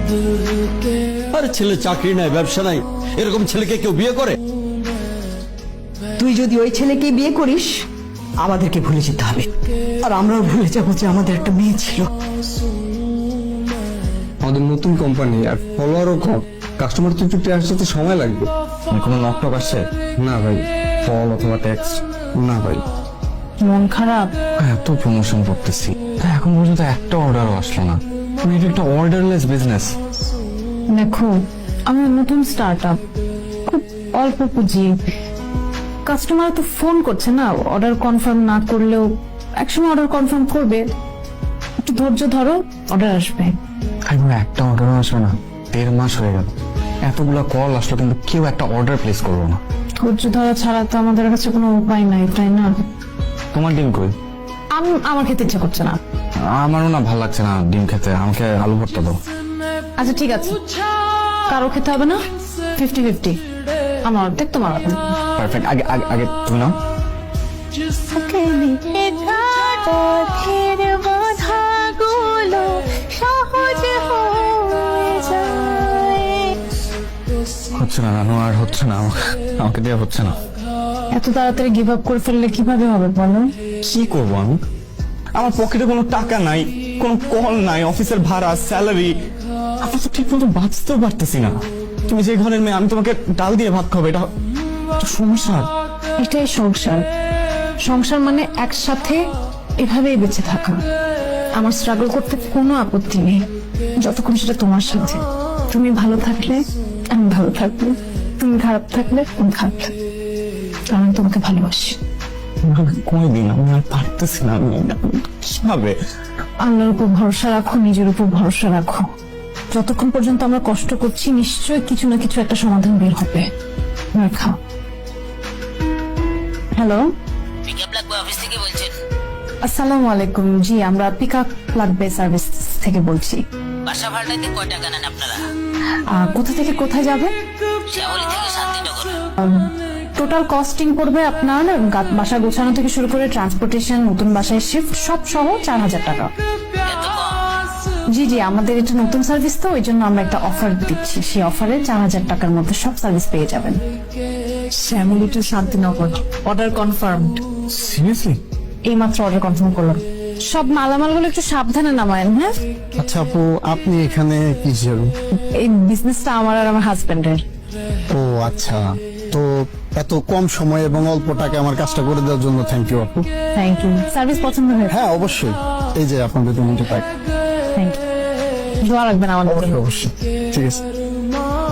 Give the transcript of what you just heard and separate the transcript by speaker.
Speaker 1: আরে ছেলে চাকরি নাই, ব্যবসা নাই, এরকম ছেলেকে কেউ বিয়ে করে?
Speaker 2: তুই যদি ওই ছেলেকে বিয়ে করিস আমাদেরকে ভুলে যেতে হবে, আর আমরাও ভুলে যাবো যে আমাদের একটা মেয়ে ছিল।
Speaker 3: আমাদের নতুন কোম্পানি আর ফলোয়ারও কম, কাস্টমার তো একটু আসতে তো সময় লাগবে।
Speaker 4: কোনো নকটক আসছে?
Speaker 3: না ভাই, কল অথবা টেক্সট না ভাই।
Speaker 5: মন খারাপ?
Speaker 4: এত প্রমোশন করতেছি তা এখন পর্যন্ত একটা অর্ডারও আসলো না। এটা একটা অর্ডারলেস বিজনেস।
Speaker 5: দেখো, আমরা নতুন স্টার্ট আপ, খুব অল্প পুঁজি। কাস্টমার তো ফোন করছে না, অর্ডার কনফার্ম না করলেও একসময় অর্ডার কনফার্ম করবে। একটু ধৈর্য ধরো, অর্ডার আসবে।
Speaker 4: এখন একটা অর্ডারও আসবে না, 1.5 মাস হয়ে গেল। এতগুলা কল আসলো কিন্তু কেউ একটা অর্ডার প্লেস করলো না।
Speaker 5: ধৈর্য ধরা ছাড়া তো আমাদের কাছে কোনো উপায় নাই, তাই না?
Speaker 4: তোমার ডিম কই?
Speaker 5: আমার খেতে ইচ্ছা করছে না।
Speaker 4: আমারও না ভালো লাগছে না ডিম খেতে, আমাকে আলু ভর্তা দাও।
Speaker 5: আচ্ছা ঠিক আছে, কারো খেতে হবে না, 50-50, আমার অর্ধেক তোমার অর্ধেক।
Speaker 4: পারফেক্ট। আগে আগে আগে তুমি নাও। হচ্ছে না নানু, আর হচ্ছে না, আমাকে দেওয়া হচ্ছে না।
Speaker 5: এত তাড়াতাড়ি গিভ আপ করে ফেললে কিভাবে হবে বলো?
Speaker 4: কি করবো আমি? আমার পকেটে কোনো টাকা নাই, কোনো কল নাই, অফিসের ভাড়া, স্যালারি, আমি তো ঠিক মতো বাঁচতেও পারতেছি না। তুমি যে ঘরের মেয়ে, আমি তোমাকে ডাল দিয়ে ভাত খাবো, এটা একটা সমস্যা।
Speaker 5: এটাই সংসার। সংসার মানে একসাথে এভাবেই বেঁচে থাকা। আমার স্ট্রাগল করতে কোনো আপত্তি নেই, যতক্ষণ সেটা তোমার সাথে। তুমি ভালো থাকলে আমি ভালো থাকবো, তুমি খারাপ থাকলে আমি খারাপ থাকবো, কারণ আমি তোমাকে ভালোবাসি।
Speaker 4: কোনদিন আমি আর পারতেছি না, আমি কিভাবে?
Speaker 5: আল্লাহর উপর ভরসা রাখো, নিজের উপর ভরসা রাখো। যতক্ষণ পর্যন্ত আমরা কষ্ট করছি নিশ্চয়ই কিছু না কিছু একটা সমাধান বের হবে। খাও। হ্যালো,
Speaker 6: অফিস থেকে বলছেন?
Speaker 5: আসসালামু আলাইকুম। জি, আমরা পিক আপ লাগবে সার্ভিস থেকে বলছি।
Speaker 6: বাসা ভাড়াতে কয় টাকা নেন আপনারা?
Speaker 5: কোথা থেকে কোথায় যাবে?
Speaker 6: শ্যামলী থেকে শান্তিনগর।
Speaker 5: টোটাল কস্টিং পড়বে আপনার বাসা গোছানো থেকে শুরু করে ট্রান্সপোর্টেশন, নতুন বাসায় শিফট সব সহ 4000 টাকা।
Speaker 6: এত কম?
Speaker 5: জি জি, আমাদের এটা নতুন সার্ভিস তো, ওই জন্য আমরা একটা অফার দিচ্ছি। সেই অফারে 4000 টাকার মধ্যে সব সার্ভিস পেয়ে যাবেন। Shyamoli to Shantinagar, order confirmed.
Speaker 4: Seriously?
Speaker 5: এই মাত্র অর্ডার কনফার্ম করলাম। সব মালামালগুলো একটু সাবধানে নামায়েন, হ্যাঁ?
Speaker 3: আচ্ছা আপু, আপনি এখানে কি জরুরি?
Speaker 5: এই বিজনেসটা আমার আর আমার হাজবেন্ডের।
Speaker 3: ও আচ্ছা, তো এত কম সময় এবং অল্প টাকা আমার কাজটা করে দেওয়ার জন্য থ্যাংক ইউ আপু।
Speaker 5: Thank you. সার্ভিস পছন্দ হয়েছে?
Speaker 3: হ্যাঁ অবশ্যই, এই যে আপনাদের 2 মিনিট টাকা।
Speaker 5: Thank you. দোয়া রাখবেন আমাদের জন্য।
Speaker 3: অবশ্যই, ঠিক আছে।